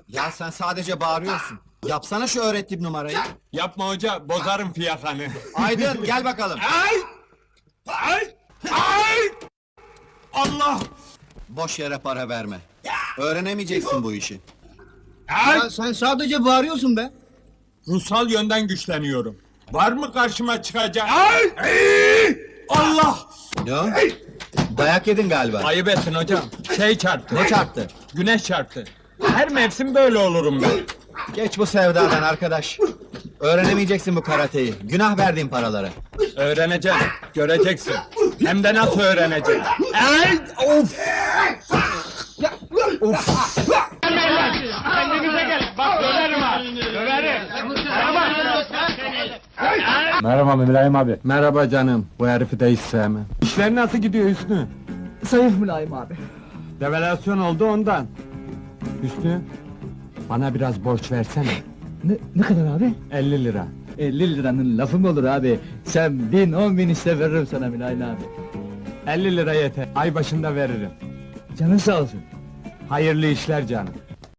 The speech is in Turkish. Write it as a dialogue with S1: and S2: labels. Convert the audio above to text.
S1: Ya sen sadece bağırıyorsun. Yapsana şu öğrettiğim numarayı.
S2: Yapma hoca, bozarım fiyakanı.
S1: Aydın gel bakalım.
S2: Ay! Ay! Ay! Allah!
S1: Boş yere para verme. Öğrenemeyeceksin bu işi.
S2: Ay!
S3: Sen sadece bağırıyorsun be.
S2: Ruhsal yönden güçleniyorum. Var mı karşıma çıkacak? Ay! Ay! Allah!
S1: Ne o? Dayak yedin galiba.
S2: Ayıp ettin hocam. Şey çarptı.
S1: Ne çarptı?
S2: Güneş çarptı. Her mevsim böyle olurum ben.
S1: Geç bu sevdadan arkadaş. Öğrenemeyeceksin bu karateyi. Günah verdiğin paraları.
S2: Öğreneceğim, göreceksin. Hem de nasıl öğreneceğim. Ay! Of! Of!
S4: Kendinize gelin. Bak döverim ha. Döverim.
S2: Merhaba Mülayim abi. Merhaba canım. Bu herifi de hiç sevmem. İşler nasıl gidiyor Hüsnü?
S3: Zayıf Mülayim abi.
S2: Devalüasyon oldu ondan. Hüsnü, bana biraz borç versene.
S3: Ne kadar abi?
S2: 50 lira.
S3: 50 liranın lafı mı olur abi? Sen 1000 10.000 iste veririm sana Mülayim abi.
S2: 50 lira yeter. Ay başında veririm.
S3: Canın sağ olsun.
S2: Hayırlı işler canım.